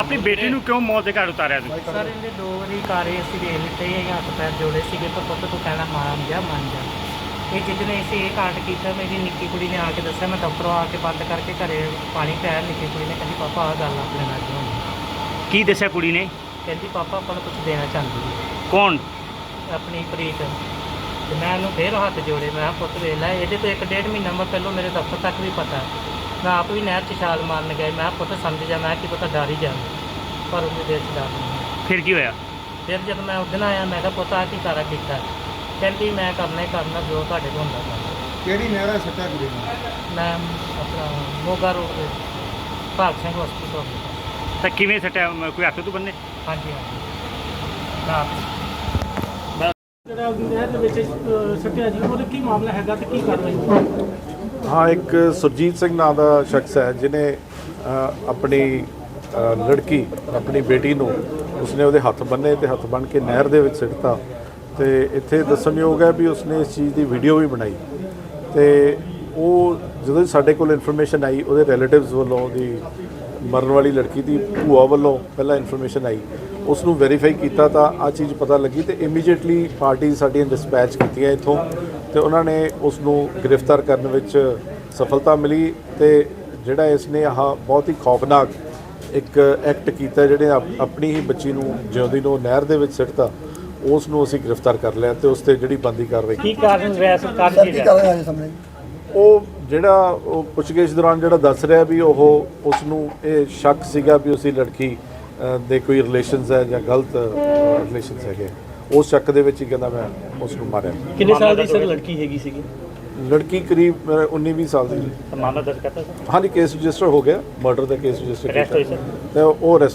ਆਪਣੀ ਬੇਟੀ ਨੂੰ ਕਿਉਂ ਮੌਤ ਦੇ ਘਾਟ ਉਤਾਰਿਆ ਤੁਸੀਂ? ਸਰ ਇਹਦੇ 2 ਵਾਰੀ ਕਾਰੇ ਅਸੀਂ ਵੇਖ ਲਿੱਤੇ ਇਹ ਹੱਥ ਪੈਰ ਜੋੜੇ ਸੀਗੇ ਪਰ ਪੁੱਤ ਤੂੰ ਕਹਿਣਾ ਮੰਨ ਜਾ ਇਹ ਜਿੱਦਨੇ ਅਸੀਂ ਇਹ ਕਾਂਡ ਕੀਤਾ ਮੇਰੀ ਨਿੱਕੀ ਕੁੜੀ ਨੇ ਆ ਕੇ ਦੱਸਿਆ ਮੈਂ ਦਫ਼ਤਰੋਂ ਆ ਕੇ ਬੰਦ ਕਰਕੇ ਘਰੇ ਪਾਣੀ ਪਿਆ ਨਿੱਕੀ ਕੁੜੀ ਨੇ ਕਹਿੰਦੀ ਪਾਪਾ ਆਹ ਗੱਲ ਆਪਣੇ ਨਾਲ ਕਿਉਂ ਹੋਈ ਕੀ ਦੱਸਿਆ ਕੁੜੀ ਨੇ? ਕਹਿੰਦੀ ਪਾਪਾ ਆਪਾਂ ਨੂੰ ਕੁਝ ਦੇਣਾ ਚਾਹੁੰਦੀ ਹੈ ਕੌਣ? ਆਪਣੀ ਪ੍ਰੀਤ ਤੇ ਮੈਂ ਉਹਨੂੰ ਫੇਰ ਹੱਥ ਜੋੜੇ ਮੈਂ ਕਿਹਾ ਪੁੱਤ ਵੇਖ ਲੈ ਇਹਦੇ ਤੋਂ 1.5 ਮਹੀਨਾ ਮੈਂ ਪਹਿਲਾਂ ਮੇਰੇ ਦਫ਼ਤਰ ਤੱਕ ਵੀ ਪਤਾ ਮੈਂ ਆਪ ਵੀ ਨਹਿਰ 'ਚ ਛਾਲ ਮਾਰਨ ਗਿਆ ਮੈਂ ਕਿਹਾ ਪੁੱਤ ਸਮਝ ਜਾ ਮੈਂ ਕੀ ਪਤਾ ਡਰ ਹੀ ਜਾ ਪਰ ਉਹਦੇ ਦਿਲ 'ਚ ਡਰ ਨਹੀਂ। ਫਿਰ ਕੀ ਹੋਇਆ? ਫਿਰ ਜਦ ਮੈਂ ਉਸ ਦਿਨ ਆਇਆ ਮੈਂ ਕਿਹਾ ਪੁੱਤ ਆਹ ਕੀ ਸਾਰਾ ਕੀਤਾ ਕਹਿੰਦੀ ਮੈਂ ਕਰਨਾ ਹੀ ਕਰਨਾ ਜੋ ਤੁਹਾਡੇ ਕੋਲ ਹੁੰਦਾ ਕਰਨਾ। ਕਿਹੜੀ ਨਹਿਰਾ ਸੱਟਾ ਕੁੜੀ ਨੂੰ? ਮੈਂ ਆਪਣਾ ਮੋਗਾ ਰੋਡ ਤੇ ਭਾਗ ਸਿੰਘ ਹਸਪੀਟਲ। ਤਾਂ ਕਿਵੇਂ ਸੱਟਿਆ? ਕੋਈ ਹੱਥ ਤੋਂ ਬੰਨੇ? ਹਾਂਜੀ ਹਾਂਜੀ ਨਾ ਜਿਹੜਾ ਨਹਿਰ ਦੇ ਵਿੱਚ ਸੱਟਿਆ ਜੀ ਉਹਦਾ ਕੀ ਮਾਮਲਾ ਹੈਗਾ ਤੇ ਕੀ ਕਾਰਵਾਈ? ਹਾਂ, ਇੱਕ ਸੁਰਜੀਤ ਸਿੰਘ ਨਾਂ ਦਾ ਸ਼ਖਸ ਹੈ ਜਿਨੇ ਆਪਣੀ ਲੜਕੀ ਆਪਣੀ ਬੇਟੀ ਨੂੰ ਉਸਨੇ ਉਹਦੇ ਹੱਥ ਬੰਨੇ ਤੇ ਹੱਥ ਬੰਨ੍ਹ ਕੇ ਨਹਿਰ ਦੇ ਵਿੱਚ ਸਿੱਟਤਾ। ਤੇ ਇੱਥੇ ਦੱਸਣਯੋਗ ਹੈ ਵੀ ਉਸਨੇ ਇਸ ਚੀਜ਼ ਦੀ ਵੀਡੀਓ ਵੀ ਬਣਾਈ ਤੇ ਉਹ ਜਦੋਂ ਸਾਡੇ ਕੋਲ ਇਨਫੋਰਮੇਸ਼ਨ ਆਈ ਉਹਦੇ ਰਿਲੇਟਿਵਸ ਵੱਲੋਂ ਉਹਦੀ ਮਰਨ ਵਾਲੀ ਲੜਕੀ ਦੀ ਭੂਆ ਵੱਲੋਂ ਪਹਿਲਾਂ ਇਨਫੋਰਮੇਸ਼ਨ ਆਈ ਉਸ ਨੂੰ ਵੈਰੀਫਾਈ ਕੀਤਾ ਤਾਂ ਆਹ ਚੀਜ਼ ਪਤਾ ਲੱਗੀ ਤੇ ਇਮੀਡੀਏਟਲੀ ਪਾਰਟੀ ਸਾਡੀਆਂ ਡਿਸਪੈਚ ਕੀਤੀਆਂ ਇੱਥੋਂ ਤੇ ਉਹਨਾਂ ਨੇ ਉਸ ਨੂੰ ਗ੍ਰਿਫਤਾਰ ਕਰਨ ਵਿੱਚ ਸਫਲਤਾ ਮਿਲੀ ਤੇ ਜਿਹੜਾ ਇਸ ਨੇ ਆਹ ਬਹੁਤ ਹੀ ਖੌਫਨਾਕ ਇੱਕ ਐਕਟ ਕੀਤਾ ਜਿਹੜੇ ਆਪਣੀ ਹੀ ਬੱਚੀ ਨੂੰ ਜਿਉਂਦੀ ਨੂੰ ਨਹਿਰ ਦੇ ਵਿੱਚ ਸਿੱਟਤਾ ਉਸ ਨੂੰ ਅਸੀਂ ਗ੍ਰਿਫਤਾਰ ਕਰ ਲਿਆ ਤੇ ਉਸ ਤੇ ਜਿਹੜੀ ਬੰਦੀ ਕਾਰਵਾਈ ਕੀ ਕਾਰਨ ਰਿਹਾ ਸਰਕਾਰ ਦੀ ਉਹ ਜਿਹੜਾ ਉਹ ਪੁੱਛਗਿੱਛ ਦੌਰਾਨ ਜਿਹੜਾ ਦੱਸ ਰਿਹਾ ਵੀ ਉਹ ਉਸ ਨੂੰ ਇਹ ਸ਼ੱਕ ਸੀਗਾ ਵੀ ਉਸਦੀ ਲੜਕੀ ਦੇ ਕੋਈ ਰਿਲੇਸ਼ਨਸ ਹੈ ਜਾਂ ਗਲਤ ਰਿਲੇਸ਼ਨਸ ਹੈਗੇ ਉਸ ਸ਼ੱਕ ਦੇ ਵਿੱਚ ਹੀ ਕਹਿੰਦਾ ਮੈਂ ਉਸ ਨੂੰ ਮਾਰਿਆ। ਕਿੰਨੇ ਸਾਲ ਦੀ ਸਰ ਲੜਕੀ ਹੈਗੀ ਸੀਗੀ? ਲੜਕੀ ਕਰੀਬ 19-20 ਸਾਲ ਦੀ। ਮਾਮਲਾ ਦਰਜ ਕਰਤਾ ਸਰ? ਹਾਂਜੀ, ਕੇਸ ਰਜਿਸਟਰ ਹੋ ਗਿਆ, ਮਰਡਰ ਦਾ ਕੇਸ ਰਜਿਸਟਰ ਅਰੈਸਟ ਹੋਈ ਸਰ? ਤੇ ਉਹ ਅਰੈਸਟ